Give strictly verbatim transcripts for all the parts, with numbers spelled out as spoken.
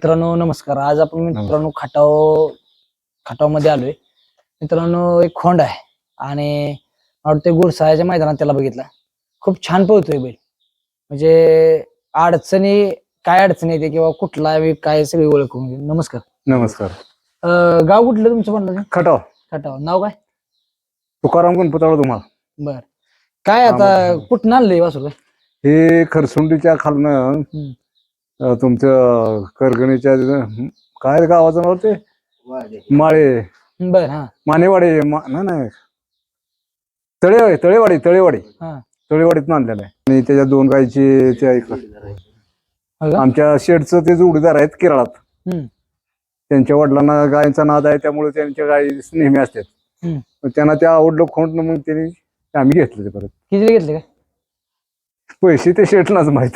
मित्रांनो नमस्कार. आज आपण मित्रांनो खटाव खटाव मध्ये आलोय. मित्रांनो एक खोंड आहे आणि ते गुरसाळ्याच्या मैदानात त्याला बघितला. खूप छान पळतोय बैल. म्हणजे अडचणी काय अडचणी येते किंवा कुठला काय सगळी ओळख होऊन गेली. नमस्कार. नमस्कार. अं, गाव कुठलं तुमचं म्हणलं? खटाव. खटाव. नाव काय? तुकाराम गणपताळ तुम्हाला. बर. काय आता कुठं आणलंय वासरू? हे खरसुंडीच्या खालनं अं, तुमचं करगणीच्या तिथं काय गावाचं नाव ते माळे बर. हा मानेवाडी मा- नाही नाही तळेवाडी तळेवाडी तळेवाडी हा तळेवाडीतून आणलेलं आहे. आणि त्याच्या दोन गायची त्या इकडं. हो का? आमच्या शेडचं ते जोडीदार आहेत केरळात. हम्म. त्यांच्या वडिलांना गायींचा नाद आहे त्यामुळे त्यांच्या गायी नेहमी असतात. हम्म. मग त्यांना त्या आवडलं खोंड मग त्यांनी आम्ही घेतलं ते परत. किती घेतले काय? पैसे ते शेटलाच माहित.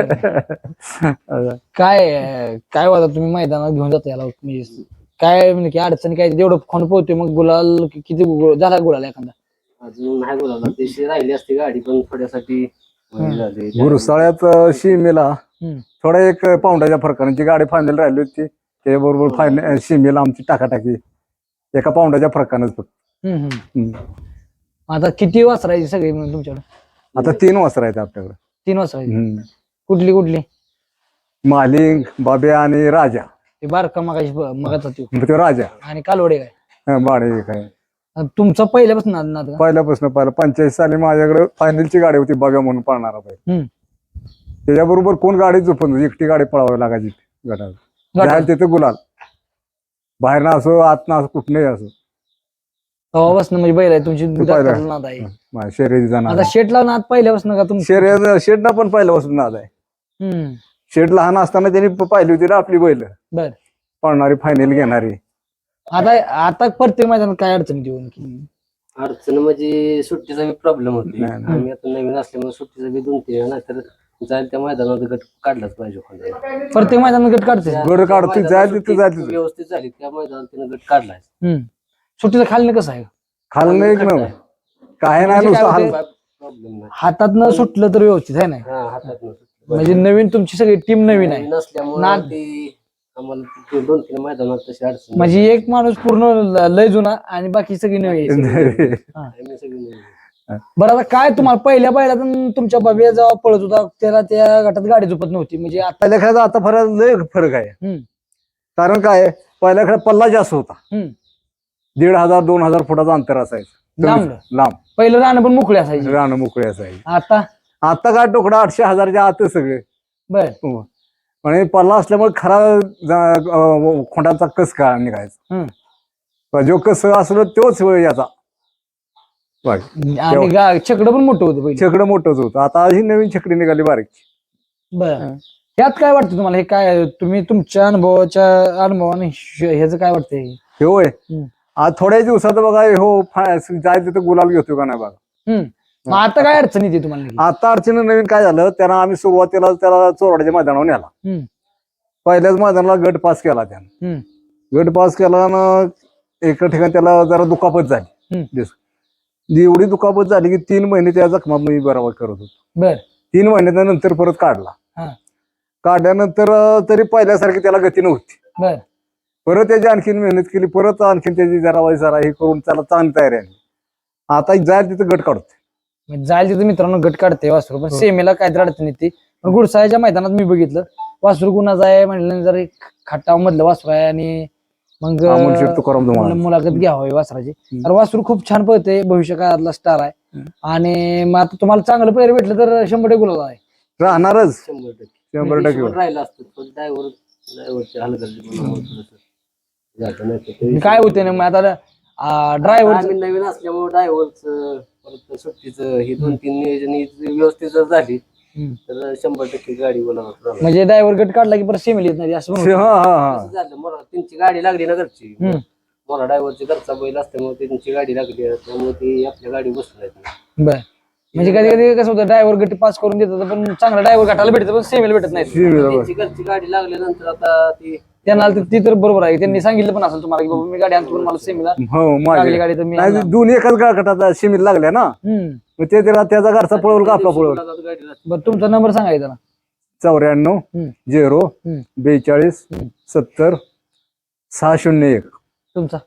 काय काय होता तुम्ही मैदानात घेऊन जाता याला म्हणजे काय म्हणजे की अडचणी काय जेवढं खोंड पोहतोय मग गुलाल कि- किती गु- झाला गुलाल एखादा? अजून नाही बोलायला देशी राहिली असती गाडी पण थोड्यासाठी हे झाली. गुरुसाळ्यात सीमेला हम्म. थोडा एक पाऊंडाच्या फरकाने जी गाडी फायनल राहिली होती त्याच्याबरोबर फायनल सीमेला आमची टाकाटाकी एका पाऊंडाच्या फरकानंच फक्त. हम्म, हम्म. हम्म. आता किती वासरायची सगळी म्हणून तुमच्याकडे? आता तीन वासर आहेत आपल्याकडे. तीन वासरायची. हम्म. कुठली कुठली? मालिंग बाब्या आणि राजा. ते बारका मगाशी मगाचा त्यो मग तो राजा आणि कालवडे काय? हा, बाळे काय आणि तुमचा पहिल्यापासून नाद नाद का? पहिल्यापासून पहिला पंच्याऐंशी साली माझ्याकडे फायनलची गाडी होती बाब्या म्हणून पळणारा पाहिजे. हम्म. त्याच्याबरोबर कोण गाडी झोपून एकटी गाडी पळावी लागायची गटाला. गटाला? जायला तिथे गुलाल बाहेर ना असो आत ना असो कुठनंही असो तेव्हापासून म्हणजे बैल आहे तुमची पहिला. दाताला नाद आहे. माझ्या शर्यतीचा नाद आता शेटला नाद पहिल्यापासून का तुमची? शर्यत शेडला पण पहिल्यापासून नाद आहे. हम्म. शेड लहान असताना त्यांनी प- पाहिली होती ना आपली बैल बर. पळणारी फायनल घेणारी. आता आता प्रत्येक मैदानात काय अडचण देऊन की अडचण म्हणजे सुट्टीचा बी प्रॉब्लेम होती. नाही, नाही. आम्ही आता नवीन असल्यामुळे सुट्टीचा बी दोन तीन नाही तर जायला त्या मैदानात गट काढलाच पाहिजे कोणाला. प्रत्येक मैदानात गट काढते? गड काढतोय जायला तिथं सुट्टी जायचं व्यवस्थित झाली त्या मैदानात तिने गट काढलाय. हम्म. सुट्टीला खाली कसं आहे? खाल्लं एक ना काय नाही म्हणजे नुसतं काय हाल. होते? प्रॉब्लेम नाही. हातात न सुटलं तर व्यवस्थित आहे ना. हा हातात नसतं. म्हणजे नवीन तुमची सगळी टीम नवीन आहे. नसल्यामुळे नाद. ती आम्हाला ते दोन तीन मैदानात तशी अडचण म्हणजे एक माणूस पूर्ण ल- लय जुना आणि बाकी सगळी नवी आहे. हा. आम्ही सगळी नवीन. बरं आता काय तुम्हाला पहिल्या पहिल्या तुमच्या बाबी जेव्हा पळत होता त्याला त्या गटात गाडी झोपत नव्हती म्हणजे आता? पहिल्या खेळाचा आता फरक लय फरक आहे. हम्म. कारण काय पहिल्या खेळात पल्ला जास्त होता. हम्म. दीड हजार दोन हजार फुटाचं अंतर असायचं लांब लांब पहिलं राहणं पण मोकळे असायची. रानं मोकळी असायची. आता आता काय टोकडा आठशे हजारच्या आत सगळे. बर. आणि पल्ला असल्यामुळे खरा जा- अं, खोंडाचा कस का निघायचा. हम्म. पण जो कस असलं तोच याचा बघ. आणि गा- छकडं पण मोठं होतं पहिलं. छकडं मोठंच होतं. आता ही नवीन छकडी निघाली बारीक. बर. यात काय वाटतं तुम्हाला? हे काय तुम्ही तुमच्या अनुभवाच्या अनुभवाने श- ह्याचं काय वाटतंय? हे होय हम्म. आज थोड्या दिवसात बघा हो फा- जायचं तिथं गुलाल घेतो का नाही बघा. हम्म. मग आता काय अडचण येते तुम्हाला? आता अडचणी नवीन काय झालं त्यांना आम्ही सुरुवातीला त्याला चोरड्याच्या मैदानावर नेला. हम्म. पहिल्याच मैदानाला गट पास केला त्यानं. हम्म. गट पास केला ना एका ठिकाणी त्याला जरा दुखापत झाली. हम्म. दिस- एवढी दुखापत झाली की तीन महिने त्या जखमा मी बरोबर करत होतो. बर. तीन महिन्याच्या नंतर परत काढला. हा. काढल्यानंतर अं, तरी पहिल्यासारखी त्याला गती नव्हती. बर. परत त्याची आणखीन मेहनत केली. परत आणखीन त्याची जरा वाई जरा हे करून त्याला चांगली तयारी आली. आता जायला तिथं गट काढतोय. म्हणजे जायला तिथे मित्रांनो गट काढते वासरू पण सेमीला काहीतरी अडचण येते. पण गुडसाळ्याच्या मैदानात मी बघितलं वासरू कुणाचं आहे म्हणलं जर खटाव मधलं वासरू आहे आणि मग अमोल शेठ तुकाराम धुमाळ. मुला- मुलाखत घ्यावी वासराची. तर वासरू खूप छान पळते भविष्य काळातला स्टार आहे आणि मग आता तुम्हाला चांगलं पैर भेटलं तर शंभर टक्के गुलाल आहे. राहणारच शंभर टक्के शंभर टक्के. हिशोबात राहिला असतं पण ड्रायव्हर ड्रायव्हरची हलगर्जीपणामुळे थोडंसं झालं नाही तर ते- काय होते ना मग आता ड्रायव्हर आम्ही नवीन असल्यामुळे ड्रायव्हरचं परत सुट्टीचं ही दोन तीन नियोजन ही व्यवस्थित जर झाली तर शंभर टक्के गाडी बोलावं. म्हणजे ड्रायव्हर गट काढला की परत सेमीला येत नाही असं पण हा होतं. हा हा झालं मला त्यांची गाडी लागली ना घरची. हम्म. मला ड्रायव्हरची घरचा बैल असल्यामुळे त्यांची गाडी लागली त्यामुळे ती आपल्या गाडी बसून नाही. बर. म्हणजे कधी कधी कसं होतं ड्रायव्हर गट पास करून देतात पण चांगला ड्रायव्हर गटाला भेटतं पण सेमीला भेटत नाही. त्यांची घरची गाडी लागल्यानंतर आता ती त्यांना तर- ती तर बरोबर आहे त्यांनी सांगितलं पण असेल तुम्हाला की बाबा मी गाडी आणतो पण मला सेमीला हो लागली माझी गाडी तर मी नाही आणणार. दोन्ही एकाच गटात शिमित लागल्या ना हम्म. मग ते त्याला त्याचा घरचा पळवल का आपला पळवल. गाडी बरं तुमचा नंबर सांगायचा ना. चौऱ्याण्णव हम्म. झिरो हम्म. बेचाळीस हम्म. सत्तर सहा शून्य एक. तुमचा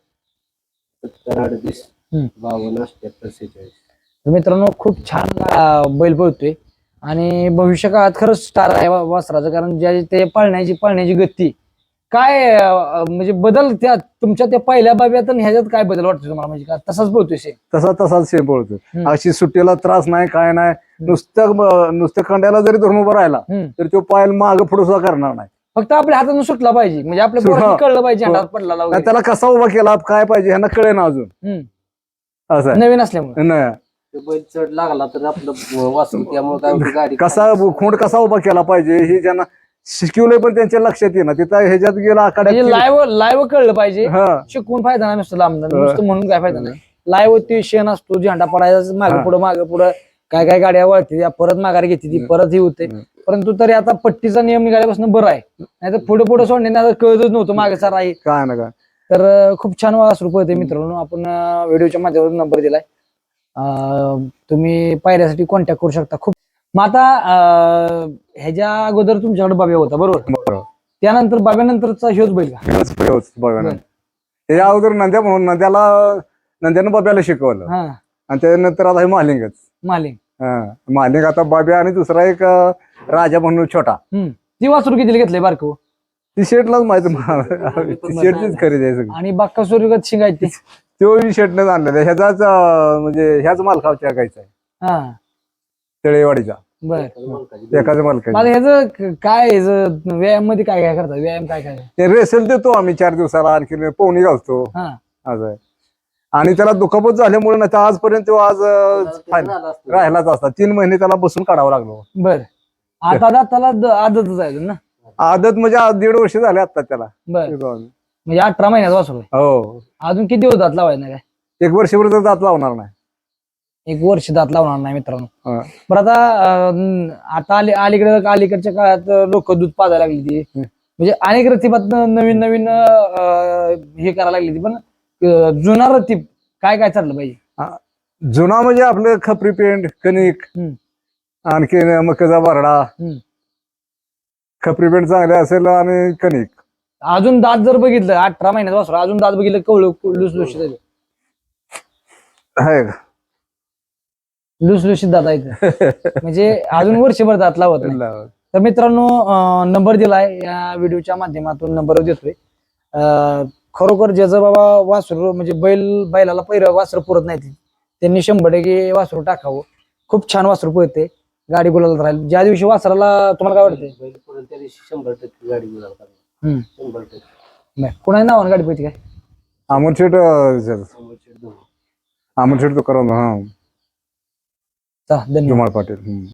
सत्तर अडतीस हम्म. बावन्न अठ्याहत्तर सेहेचाळीस. तर मित्रांनो खूप छान अं, बैल पळतोय आणि भविष्य काळात खरंच स्टार आहे वा- वासराचं, कारण ज्या ते पळण्याची पळण्याची गती काय अं, म्हणजे बदल त्या तुमच्या त्या पहिल्या बाब्यात आणि ह्याच्यात काय बदल वाटतो तुम्हाला, म्हणजे का तसाच पळतोय सेम? तसा तसाच सेम पळतो. हम्म. अशी सुट्टीला त्रास नाही काय नाही. नुसतं ब- नुसतं खंड्याला जरी धरून उभा राहिला हम्म. तर तो पायल माग पुढे सुद्धा करणार नाही. फक्त आपल्या हातातून सुटला पाहिजे, म्हणजे आपल्या सुट- पोराला हा. कळलं पाहिजे हो. हातात पडला नाही वगैरे. त्याला कसा उभा केला काय पाहिजे ह्यांना कळे ना अजून. हम्म. असं आहे. नवीन असल्यामुळे नाही. ते बैल चढ लागला तर आपलं वाचून त्यामुळे काय होतं, गाडी कसा खोंड कसा उभा केला पाहिजे हे ज्यांना शिकवलंय पण त्यांच्या लक्षात येईना. तिथं ह्याच्यात गेला म्हणजे आखाड्यात. लाईव्ह लाईव्ह कळलं पाहिजे. हा शिकवून फायदा नाही नुसतं लांब हा. नुसतं म्हणून काय फायदा नाही. लाईव्ह ते शेण असतो, झेंडा पडायचा मागे हा. पुढं मागे पुढं, काय काय गाड्या वळते त्या परत माघारी घेते ती परत ही होते. हम्म. परंतु तरी आता पट्टीचा नियम निघाल्यापासून बरं आहे, नाही तर पुढे पुढे सोडणे कळतच नव्हतं मागे सारा आहे. काय ना काय. तर अं, खूप छान वासरू पळते मित्रांनो. आपण अं, व्हिडिओच्या माध्यमातून नंबर दिलाय, अं, तुम्ही पायऱ्यासाठी कॉन्टॅक्ट करू शकता. खूप मग आता अं, ह्याच्या अगोदर तुमच्याकडे बाब्या होता बरोबर, बरोबर. त्यानंतर बाब्यानंतरचा ह्योच बैल का? हेच हेच बघा ना. बरं. त्याच्या अगोदर नंद्या म्हणून नंद्याला नंद्यानं बाब्याला शिकवलं हा आणि त्यानंतर आता हे मालिंगच. मालिक. हा मालिंग आता बाब्या आणि दुसरा एक अं, राजा म्हणून छोटा. हम्म ती वासरू किती घेतले बारको? ती शेटलाच माहिती ती शेटचीच खरेदी आहे सगळी. आणि बाक्का सूर्यगत शिंगायची ती. तो शेटनेच आणलेला ह्याचाच अं, म्हणजे ह्याच मालकाच्या गायचा आहे हा तळेवाडीचा बर. एकाच मालकाचा. मला ह्याचं काय ह्याचं व्यायाम मध्ये काय काय करतात, व्यायाम काय काय? ते रेसल देतो आम्ही चार दिवसाला आणखी पोहणी घालतो हा असं आहे. आणि त्याला दुखापत झाल्यामुळे ना तर आजपर्यंत तो आज अं, फायनल झाला असतो. राहिलाच असता. तीन महिने त्याला बसून काढावं लागलो. बर. आता दाताला द- आदतच आहे अजून ना? आदत म्हणजे आज दीड वर्ष झाले आता त्याला. बर. म्हणजे अठरा महिन्याचा वासरू आहे. हो अजून किती दिवस दात लावायचं नाही काय? एक वर्षभर तर दात लावणार नाही. एक वर्ष दात लावणार नाही मित्रांनो. हा. बरं आता अं, आता अली अलीकडे अलीकडच्या काळात लोक दूध पाजायला लागली ती, हम्म. म्हणजे अनेक रतीबात नवीन नवीन अं, हे करायला लागली ती, पण अं, जुना रतीब काय काय चाललं पाहिजे? जुना म्हणजे आपलं खपरी पेंट कणिक हम्म. आणखी मकाचा बारडा. हम्म. खपरी पेंट चांगले असेल आणि कणिक. अजून दात जर बघितलं अठरा महिन्याचा वासरू अजून दात बघितलं कवळ लुसलुशीत आहे का? लुसलुशीत दात आहेत म्हणजे अजून वर्षभर दात लावत नाही. तर मित्रांनो अं, नंबर दिलाय या व्हिडिओच्या माध्यमातून नंबर देतोय. अं, खरोखर ज्याचं बाबा वासरू म्हणजे बैल बैलाला पहिलं वासरू पुरत नाही त्यांनी शंभर टक्के वासरू टाकावं. खूप छान वासरू पळते, गाडी गुलाला राहील. ज्या दिवशी वासराला तुम्हाला काय वाटतंय? बैल पळेल त्या दिवशी शंभर टक्के गाडी गुलाल करणार. हम्म. शंभर टक्के. नाही कोणाच्या नावानं गाडी पळते काय? अमोल शेठ शंभर टक्के दोन. अमोल शेठ तो करा हा चा धन्यवाद. जुमाळ पाटील. हम्म.